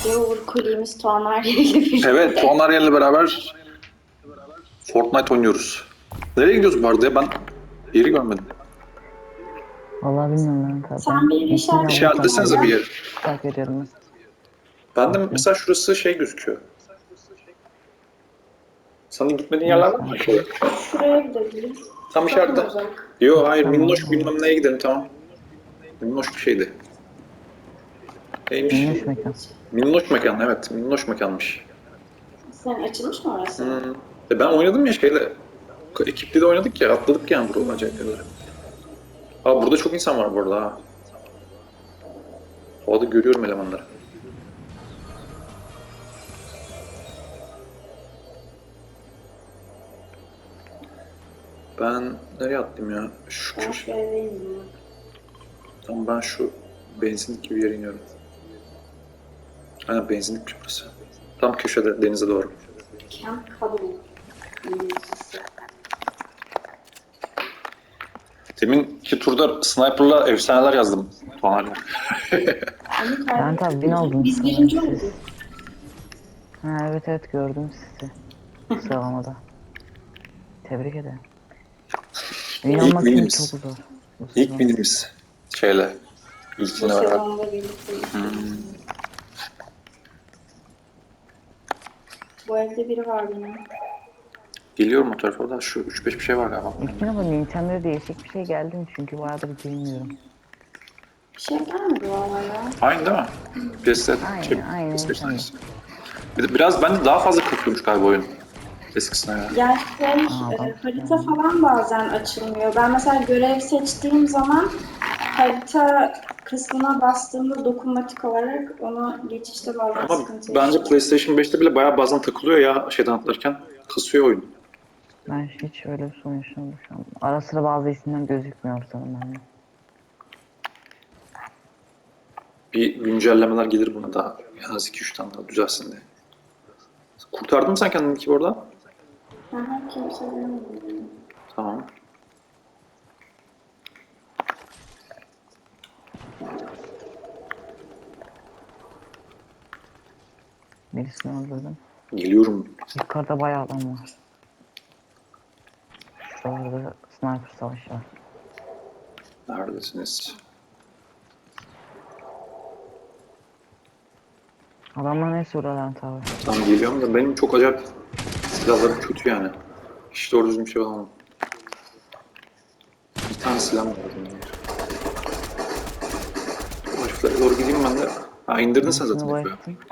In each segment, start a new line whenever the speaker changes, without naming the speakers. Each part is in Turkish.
Uğur Kuli'miz Tuğanlar ile birlikte.
Evet, Tuğanlar ile beraber Fortnite oynuyoruz. Nereye gidiyoruz bu arada ya? Ben yeri görmedim.
Vallahi bilmiyorum ben tabii.
Sen bir yeri
İşaretlesenize bir yeri.
Takip ediyorum.
Ben de mesela şurası şey gözüküyor. Senin gitmediğin
Neyse.
yerler var mı? Şöyle.
Şuraya gidebiliriz.
Tam
Çok mu
işaretle.
uzak?
Yo hayır,
Tamam.
minnoş bilmem neye gidelim, tamam. Minnoş bir şeydi. Neymiş?
Minnoş mekan.
Minnoş mekan, evet. Minnoş mekanmış.
Sen açılmış mı orası?
Ben oynadım ya şeyle. Ekiple de oynadık ya, atladık yani buradan acayip yerlere. Aa, burada çok insan var bu arada ha. Havada görüyorum elemanları. Ben nereye attım ya? Şu
Ben
köşe.
şuradayım ya.
Tamam, ben şu benzinlik gibi yere iniyorum. Aynen, benzinlikmiş burası. Tam köşede, denize doğru.
Camp Kabul. İngilizcesi.
Deminki turda sniper'la efsaneler yazdım. Tuğanlarla.
Onu
Ben tabii bin oldum.
Biz birinci olduk.
Ha, evet gördüm sizi. Sıralamada. Tebrik ederim. Win
İlk
olmak için
winimiz.
çok zor.
İlk winimiz şeyle.
Bu
İlkine beraber.
sezonda birlikte. Bu evde biri var benim.
Geliyorum o tarafa da, şu 3-5 bir şey var galiba.
İlk ama Nintendo'da değişik bir şey geldi mi? Çünkü bayağıdır bilmiyorum.
Bir şey gelmedi valla ya.
Aynı değil mi? PS,
Aynen,
PlayStation.
aynen.
Bir de biraz bende daha fazla katılıyormuş galiba oyun. Eskisine ya.
Yani
bak.
harita falan bazen açılmıyor. Ben mesela görev seçtiğim zaman harita kısmına bastığımda dokunmatik olarak ona geçişte bazen
Ama
sıkıntı
bence
yaşıyorum.
PlayStation 5'te bile bayağı bazen takılıyor ya, şeyden atlarken. Kasıyor oyun.
Ben hiç öyle bir sorun yaşamadım şu an. Ara sıra bazı isimler gözükmüyor sanırım bende.
Bir güncellemeler gelir buna daha. En az 2-3 tane daha düzelsin diye. Kurtardın mı sen kendini ki orada?
Aha, kimse görmedi.
Tamam.
Birisini öldürdüm.
Geliyorum.
Yukarıda bayağı adam var. Şurada sniper savaşı var.
Neredesiniz?
Adamlar ne soruyorlar tabi.
Tamam, geliyorum da benim çok acayip silahlarım kötü yani. Hiç doğru düzgün bir şey alamam. Bir tane silah var lazım. O heriflere doğru gideyim ben de. Ha, indirdin sen zaten.
Bu
herifi.
ettim.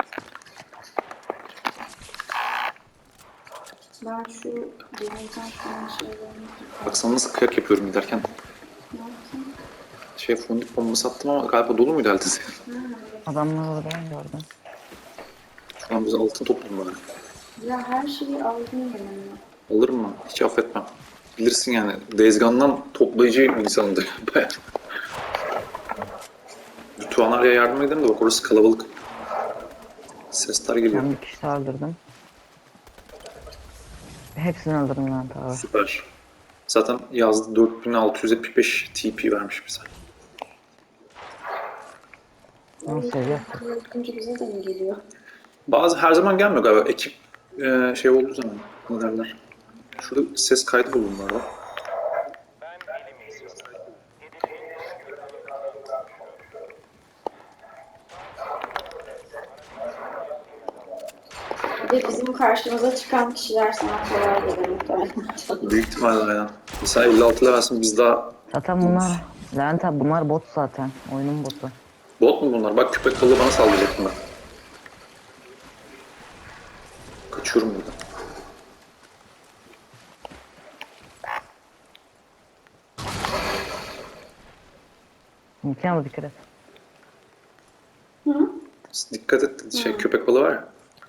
Ben şu deneyeceğim şunun şeylerini.
Bak sana nasıl kıyak yapıyorum giderken.
Ne yapayım?
Şey, fondip bombası attım ama galiba dolu muydu eltesi?
Adamlar orada ben gördüm.
Şu an bize altın topladım bari.
Ya her şeyi aldım ben.
Alırım mı? Hiç affetmem. Bilirsin yani, Dezgan'dan toplayıcı bir insandı. Bayağı. Tuğanlar'a yardım edelim de bak, orası kalabalık. Sesler geliyor.
Ben bir kişi öldürdüm. Hepsini öldürdüm ben tabi.
Süper. Zaten yazdı, 4675 TP vermiş bize.
Nasıl seviyor?
Bakınca bize de mi geliyor?
Bazı her zaman gelmiyor galiba. Ekip şey olduğu zaman. Ne derler? Şurada ses kaydı buldum bu arada.
Bir de bizim karşımıza çıkan kişiler sana kolay gelir muhtemelen.
Büyük ihtimalle aynen. Mesela 56 levelsin, biz daha...
Zaten bunlar, Levent abi bunlar bot zaten. Oyunun botu.
Bot mu bunlar? Bak, köpek balığı bana saldıracaktım ben. Kaçıyorum buradan.
İmkanı dikkat et.
Hı?
Dikkat et, şey, köpek balığı var ya.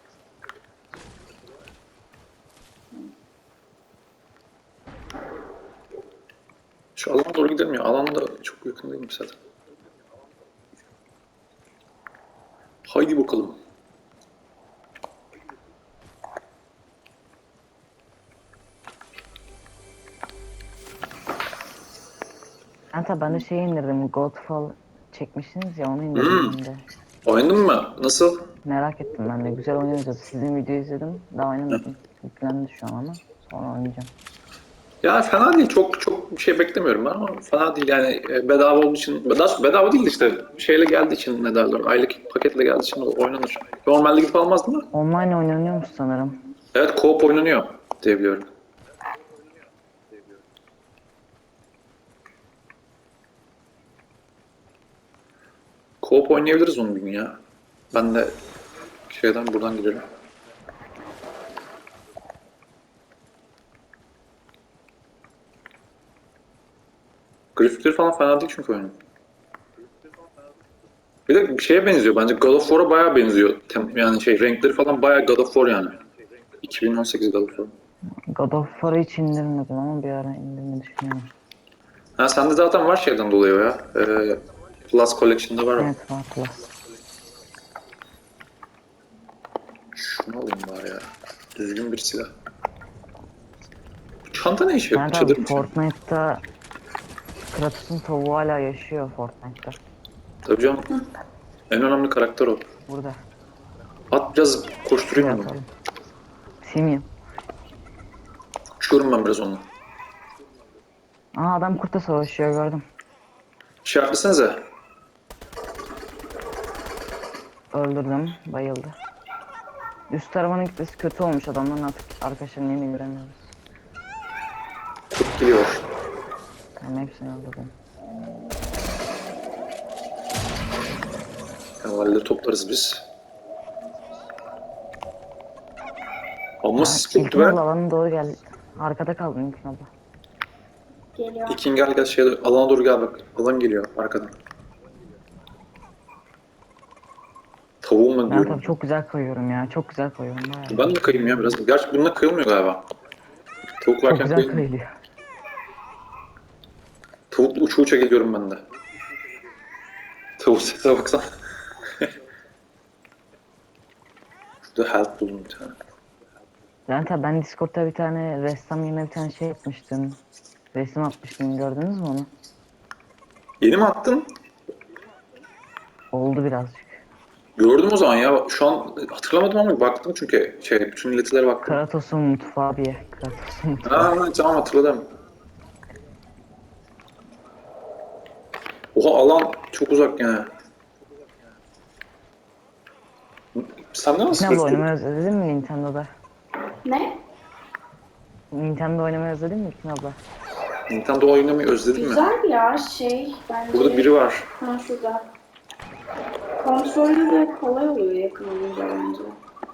Şu alana doğru gidelim ya. Alan da çok yakın değilmiş zaten. Haydi bakalım.
Levent abi ben de şey indirdim. Godfall çekmişsiniz ya onu indirdim ben de.
Oynadın mı? Nasıl?
Merak ettim ben de. Güzel oynuyoruz. Sizin videoyu izledim. Daha oynamadım. Yüklendi şu an ama. Sonra oynayacağım.
Ya fena değil. Çok bir şey beklemiyorum ben ama fena değil yani bedava olduğu için. Bedava değil de işte şeyle geldiği için ne derler. Aylık paketle geldiği için oynanır. Normalde gidip almazdım da.
Online oynanıyormuş sanırım.
Evet co-op oynanıyor diye biliyorum. Co-op oynayabiliriz onu bir gün ya. Ben de şeyden buradan gidelim. Grafikleri falan fena değil çünkü oyunun. Bir de bir şeye benziyor bence. God of War'a bayağı benziyor. Yani şey renkleri falan bayağı God of War yani. 2018 God of War.
God of War'ı hiç indirmedim ama bir ara indirmeyi düşünüyorum.
Ha sende zaten var şeyden dolayı o ya. Plus Collection'da var o.
Evet var Plus.
Şunu alayım bari ya. Düzgün bir silah. Bu çanta ne işe yarıyor?
Yani tabii
Çadır mı sen?
Fortnite'ta Kratos'un tavuğu hala yaşıyor Fortnite'ta.
Tabii canım. En önemli karakter o.
Burada.
At biraz
Şuraya
koşturayım onu.
atalım. Simyum.
Uçuyorum ben biraz onunla.
Aa adam kurtla savaşıyor gördüm.
İşaretlesenize.
Öldürdüm. Bayıldı. Üst tarafanın gitmesi kötü olmuş adamların artık arkadaşlarını yeni göremiyoruz.
Çok geliyor.
Tamam hepsini öldürdüm.
Herhalde toplarız biz. Ama
Ha,
sis çöktü
İlkin
be.
abla alana doğru gel. Arkada kaldın İlkin abla.
Geliyor.
İkin gel şeye alana doğru gel bak. Alan geliyor arkadan. Tavuğumla
Ben
diyorum.
tabii çok güzel kayıyorum ya. Çok güzel kayıyorum bayağı.
Ben de kayayım ya biraz. Gerçi bununla kayılmıyor galiba. Tavuk
Çok
varken
güzel
kayılmıyor.
kayılıyor.
Tavukla uça uça geliyorum ben de. Tavuk sese baksana. Şurada health buldum bir tane.
Ben Discord'da bir tane ressam yine bir tane şey yapmıştım. Resim atmıştım gördünüz mü onu?
Yeni mi attın?
Oldu birazcık.
Gördüm o zaman ya. Şu an hatırlamadım ama baktım çünkü bütün illetlere baktım.
Kratos'un mutfağı diye. Kratos'un mutfağı.
Ha, tamam hatırladım. Oha alan çok uzak yani. Sen de
İlkin
nasıl
abla
gösteriyorsun?
oynamayı özledin mi Nintendo'da?
Ne?
Nintendo oynamayı özledin mi İlkin abla?
Nintendo oynamayı özledin mi?
Güzel ya şey bence.
Burada biri var.
Ha şurada. Kontrolü de kolay oluyor yakın olunca bence.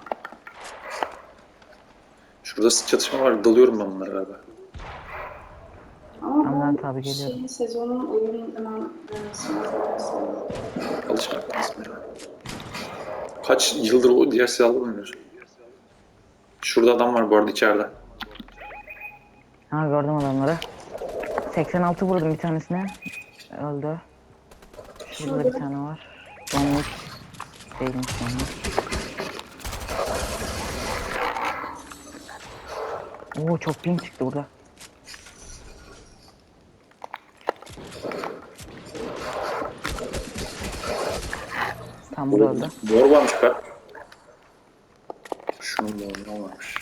Şurada çatışma var. Dalıyorum ben bunlara galiba.
Ama
Tamam
bu
tabii geliyorum.
şeyin sezonun oyunun hemen sınavı.
Alışmak lazım ya. Kaç yıldır o diğer silahları oynuyorsun? Şurada adam var bu arada içeride.
Ha gördüm adamları. 86 vurdum bir tanesine. Öldü. Şurada bir tane var. Domuz değilmiş domuz. Oo çok ping çıktı burada. Tam burada öldü.
Mor varmış be. Şunun morunu varmış.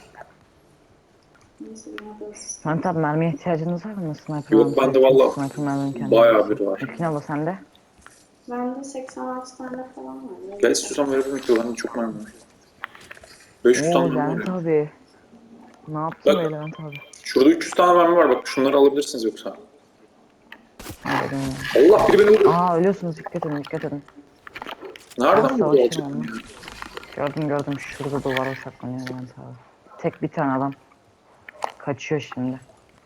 Neyse buna da asist.
Sen tabi mermiye ihtiyacınız var mı? Sniper
Yok
almışsın.
bende valla
Sniper mermim kendi.
bayağı biri var.
İlkin abla sende.
Bende 86 tane falan var.
Gel istiyorsan verebilirim ki bende çok mermi var. 500 tane
Oo
mermi var
Levent
ya.
abi. Ne yaptın
Bak.
be Levent abi?
Şurada 300 tane mermi var bak şunları alabilirsiniz yoksa.
Hadi dön.
Allah biri beni vurdu.
Aa ölüyorsunuz dikkat edin dikkat edin.
Nereden
Ben
vurdu
savaşırım
alçak
onunla.
ya?
Gördüm şurada duvara saklanıyor Levent abi. Tek bir tane adam. Kaçıyor şimdi.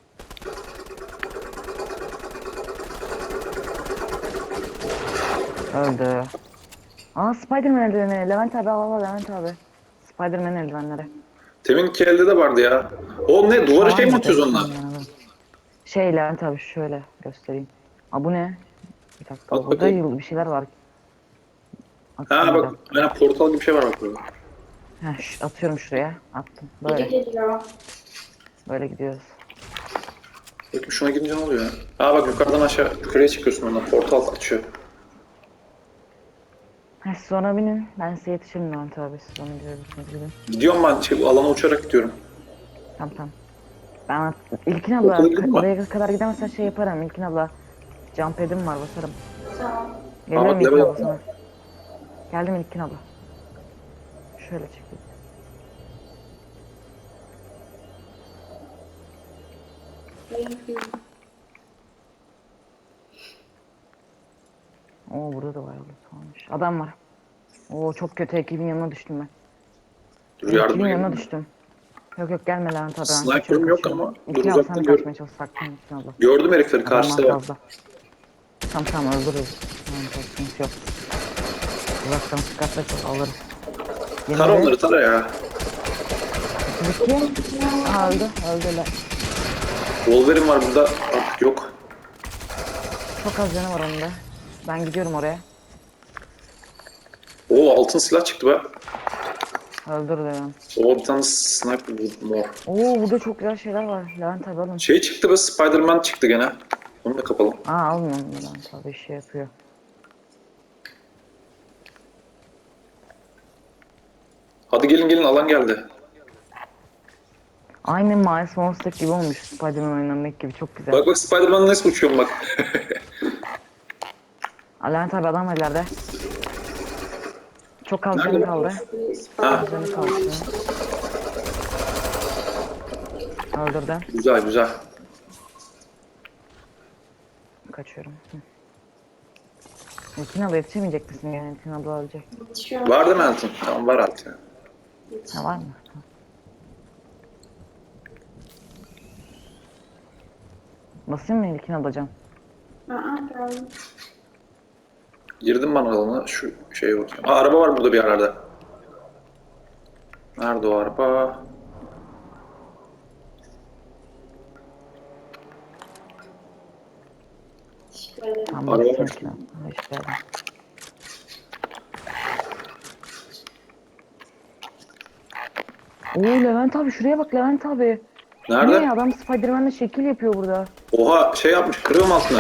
Öldü. Aa Spiderman eldiveni. Levent abi al Levent abi. Spiderman eldivenleri.
Teminki elde de vardı ya. O ne duvara şey mi atıyoruz onunla?
Şey Levent abi şöyle göstereyim. Aa bu ne? Bir dakika
At
burada
bakayım.
bir şeyler var.
Ha
Atayım bir
bak
dakika.
aynen portal gibi bir şey var bak burada.
Heh, atıyorum şuraya. Attım.
Biri
Böyle.
geliyor.
Böyle gidiyoruz.
Bakayım şuna girince ne oluyor ya? Ha bak yukarıdan aşağı yukarıya çıkıyorsun ondan portal açıyor.
Heh Siz ona binin. Ben size yetişirim Levent abi. Siz ona gidebilirsiniz gidin.
Gidiyorum ben alana uçarak gidiyorum.
Tamam. Ben İlkin abla
Okula gidin mi?
oraya kadar gidemezsen şey yaparım. İlkin abla jump pad'im var basarım.
Tamam.
Geliyorum
bak,
İlkin
level
abla
atla.
sana. Geldim İlkin abla. Şöyle çekeyim. Oo burada da bayağı loot varmış. Adam var. Oo çok kötü ekibin yanına düştüm ben.
Dur
Ekibin
yardıma
yanına
gelin.
düştüm. Yok gelme Levent abi ben
Sniper'ım
kaçıyorum
yok
kaçıyorum.
ama dur
İlkin abla
uzaktan
sen de
gör.
kaçmaya çalış saklan İlkin abla.
Gördüm herifleri
Adamlar
karşıda bak.
fazla. Tamam öldürürüz. Tamam sıkıntı yok. Uzaktan sıkarsak alırız.
Tara onları tara ya.
32. Aa öldüler.
Wolverine var burada artık yok.
Çok az canı var onun da. Ben gidiyorum oraya.
Oo altın silah çıktı be.
Öldür Levent.
Oo bir tane sniper buldum mor.
Oo burada çok güzel şeyler var. Levent abi alın.
Şey çıktı be, Spider-Man çıktı gene. Onu da kapalım.
Aa alın onu Levent abi şey yapıyor.
Hadi gelin alan geldi.
Aynı Miles Morales gibi olmuş. Spider-Man oynamak gibi çok güzel.
Bak Spider-Man'la nasıl uçuyorum bak.
Aa, Levent abi adam var ileride. Çok az
Nerede?
canı kaldı.
Ha,
Canı kaldı. Öldürdüm.
güzel.
Kaçıyorum. İlkin abla yetişemeyecek misin yani? İlkin abla ölecek.
Yetişiyorum.
var değil mi altın? Tamam var altın.
Ha var mı? Basayım mı İlkin ablacığım?
Geldim.
Girdim ben alana şu şeye bakıyorum. Aa araba var burada bir yerlerde. Nerede o araba?
Teşekkür ederim.
Tamam
Araba
basayım
var.
İlkin abla. Hoş geldin. Oo Levent abi şuraya bak Levent abi.
Nerede?
Ne adam Spider-Man'le şekil yapıyor burada.
Oha şey yapmış, kırığım altına.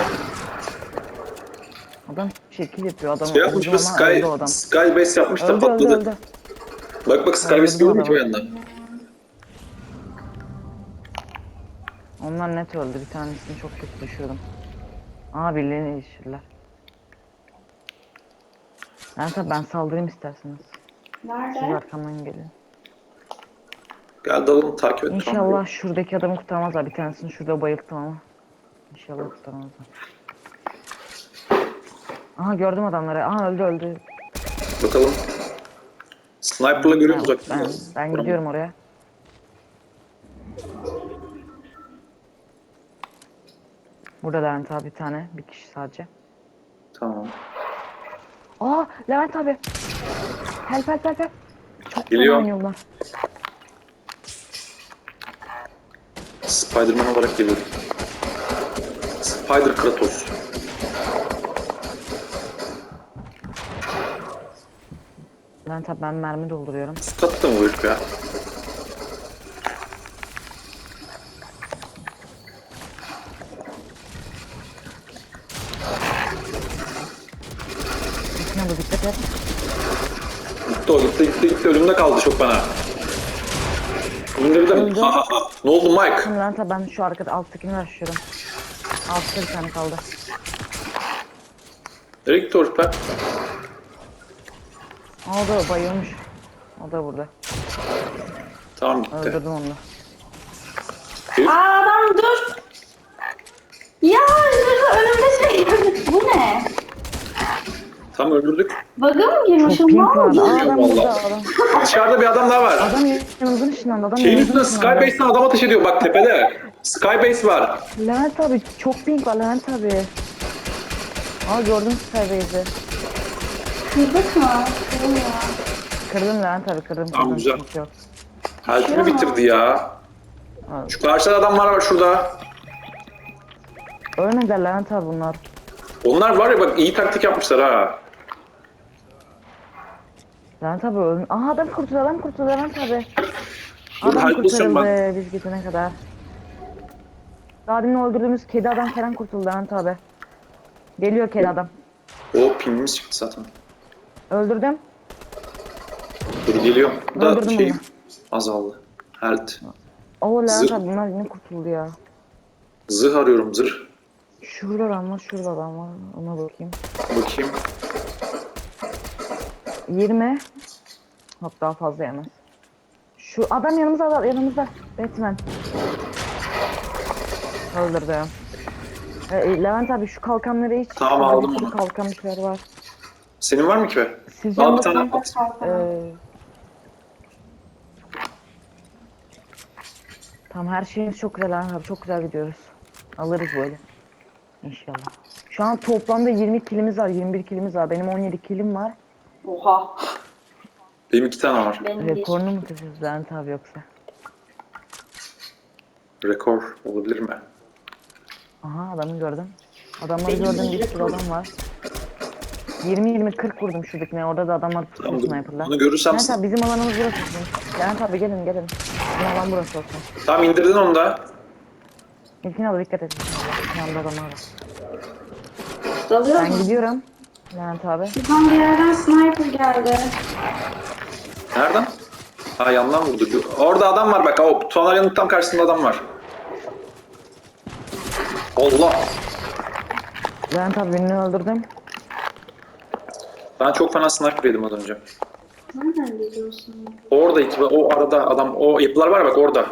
Adam şekil yapıyor adam.
Şey yapmış
vurdu
mı,
ama öldü o adam.
Sky Base yapmış da
Öldü
patladı.
öldü.
Bak Sky Base
Öldürdüm
görüyor musun o
adamı.
yandan?
Onlar net öldü. Bir tanesini çok kötü düşürdüm. Aa birilerini düşürdüler. Tabii ben saldırayım isterseniz. Siz
Nerede?
arkamdan gelin.
Gel dalalım takip et.
İnşallah şuradaki adamı kurtarmazlar. Bir tanesini şurada bayılttım ama. İnşallah kurtarmazlar. Aha gördüm adamları. Aha öldü.
Bakalım. Sniper'la görüyoruz uzaktan.
Ben gidiyorum oraya. Burada Levent abi bir tane. Bir kişi sadece.
Tamam.
Aa Levent abi. Help. Çok
Geliyor.
fena oynuyorlar.
Spider-Man olarak geliyorum. Spider Kratos.
Levent abi ben mermi dolduruyorum.
Statta mı bu herif ya?
İçine bu dikkat et.
Gitti o gitti. Önümde kaldı çok bana. Önümde bir de
Öldü.
ha. Ne oldu Mike?
Tamam Levent abi ben şu arkada alttakini başlıyorum. Altta bir tane kaldı.
Nereye gitti o herif be?
Aa, o da bayılmış. O da burada.
Tamam gitti.
Öldürdüm onu da.
Herif,
Adam dur. Ya önümde şey. Bu ne?
tam öldürdük.
Bug'a mı girmişim?
Çok
Ne
pink vardı.
oldu?
Aa adam
Vallahi.
burada adam.
Dışarıda bir adam daha var.
Adam yanımızın ışınlandı. Adam
Şeyin
yanımızın
üstünde
ışınlandı.
Skybase'den adam ateş ediyor bak tepede. Skybase var.
Levent abi çok pink var Levent abi. Aa gördüm Skybase'i.
Kırdık mı? Kırılmıyor.
Kırdım Levent abi kırdım.
Tamam, güzel.
Sıkıntı yok.
Halkimi bitirdi ya.
Abi,
Şu karşıda adamlar var şurada.
ölmediler Levent abi bunlar.
Onlar var ya bak iyi taktik yapmışlar ha.
Levent abi ölmüş. Aha adam kurtuldu Levent abi.
Dur,
Adam
halbuki
kurtarıldı biz gidene kadar. Daha demin öldürdüğümüz kedi adam falan kurtuldu Levent abi. Geliyor kedi adam.
O pingimiz çıktı zaten.
Öldürdüm.
Dur geliyorum. Bu da
Öldürdüm
şeyim
onu.
azaldı. Health.
Oo Levent
Zırh.
abi bunlar yine kurtuldu ya.
Zırh arıyorum zırh.
Şurada adam var, şurada adam var. Ona bakayım.
Bakayım.
20. Yok daha fazla yemez. Şu adam yanımızda, yanımızda. Batman. Öldürdüm. Levent abi şu kalkanları hiç...
Tamam,
şurada
aldım
bir sürü
onu.
kalkan bir şeyler var.
Senin var mı ki be?
Siz
Al bir
yanında
tane
sen-
at.
Tamam her şeyimiz çok güzel Levent abi. Çok güzel gidiyoruz. Alırız böyle. İnşallah. Şu an toplamda 20 kilimiz var, 21 kilimiz var. Benim 17 kilim var.
Oha.
Benim 2 tane var.
Benim bir.
Rekorunu mu kıracağız Levent abi yoksa?
Rekor olabilir mi?
Aha adamı gördüm. Adamları
Benim
gördüm,
bir
bir sürü
rekor.
adam var. 20-20-40 vurdum şuradakine. Orada da adamlar tutuyor
Tamam,
sniper'la.
bunu görürsem...
Levent abi bizim alanımız burası olsun. Levent abi gelin gelin. Bizim alan burası olsun.
Tamam, indirdin onu da.
İlkine abi dikkat edin. Yanında adamlar var.
Dalıyor
Ben
mu?
gidiyorum. Levent abi.
Şuradan bir yerden sniper geldi.
Nereden? Ha, yandan vurdu. Orada adam var bak. O Tonaryanın tam karşısında adam var. Allah!
Levent abi birini öldürdüm.
Ben çok fena sniper yedim az önce.
Nereden biliyorsun?
Orada o arada adam, o yapılar var bak orada.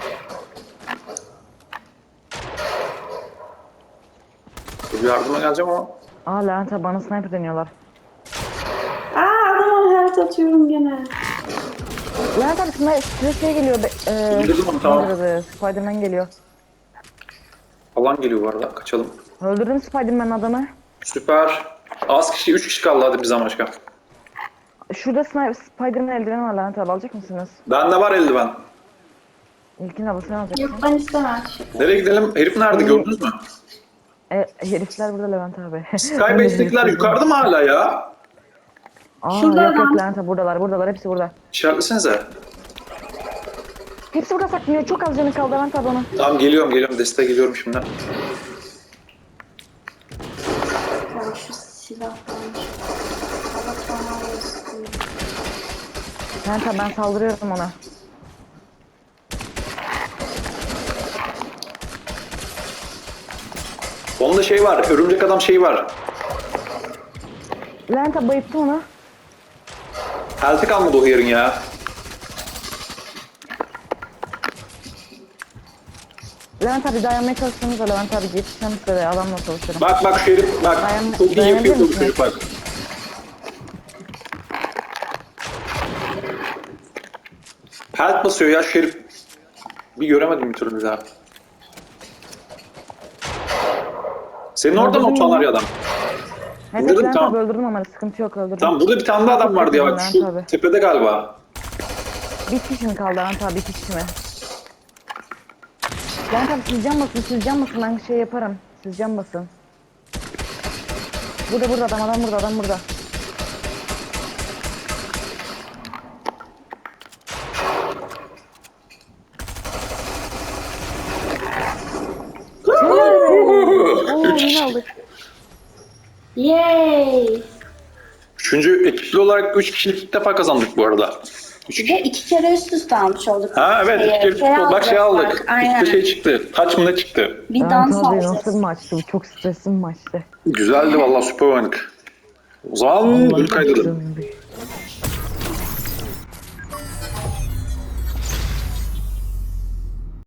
Dur, yardıma geleceğim ama.
Aa Levent abi bana sniper deniyorlar.
Aa adama health atıyorum gene.
Levent abi size şey geliyor.
İndirdim onu, tamam.
Spiderman geliyor.
Alan geliyor bu arada. Kaçalım.
Öldürdüm Spiderman adamı.
Süper. Az kişi, 3 kişi kaldı hadi bizden başka.
Şurada Spiderman eldiveni var Levent abi alacak mısınız?
Bende var eldiven.
İlkini abi sen alacaksın.
Yok ben istemem.
Nereye gidelim? Herif nerede, gördünüz mü?
Herifler burada Levent abi.
Skybase'dekiler yukarıda mı hala ya?
Aa
Şurada
yok yok
adam.
Levent abi buradalar hepsi burada.
İşaretlesenize.
Hepsi burada saklanıyor çok az canı kaldı Levent abi ona.
Tamam, geliyorum. Desteğe geliyorum şimdi.
Ya şu silahtan. Allah bana olsun.
Levent abi ben saldırıyorum ona.
Onda şey var, örümcek adam şeyi var.
Levent abi bayıttı onu.
Health'i kalmadı o yerin ya.
Levent abi dayanmaya çalışsanız da Levent abi yetişeceğim size de adamla çalışırım.
Bak şu herif, bak. Çok iyi yapıyor bu çocuk bak. Health basıyor ya şu herif. Bir göremedim bir türlü daha. Senin orada mı o Tonarya adam?
Evet
İndirdim,
Levent
tamam.
abi öldürdüm ama sıkıntı yok öldürdüm.
Tamam, burada bir tane daha adam vardı ya bak,
Levent
şu
abi.
tepede galiba.
Bir kişi mi kaldı Levent abi? Bir kişi mi? Levent abi siz can basın ben şey yaparım. Siz can basın. Burada adam burada. Oo yine aldık.
Yay!
Üçüncü ekipli olarak 3 kişilik ilk defa kazandık bu arada.
Bir de 2 kere üst üste almış olduk.
Ha evet,
Şeye,
2 kere bak şey aldık.
bak, aynen.
İşte şey çıktı. Taç mı ne çıktı?
Bir
Levent
dans
abi
alacağız.
nasıl bir maçtı bu? Çok stresli bir maçtı.
Güzeldi vallahi, süper oynadık. O zaman dur kaydedelim.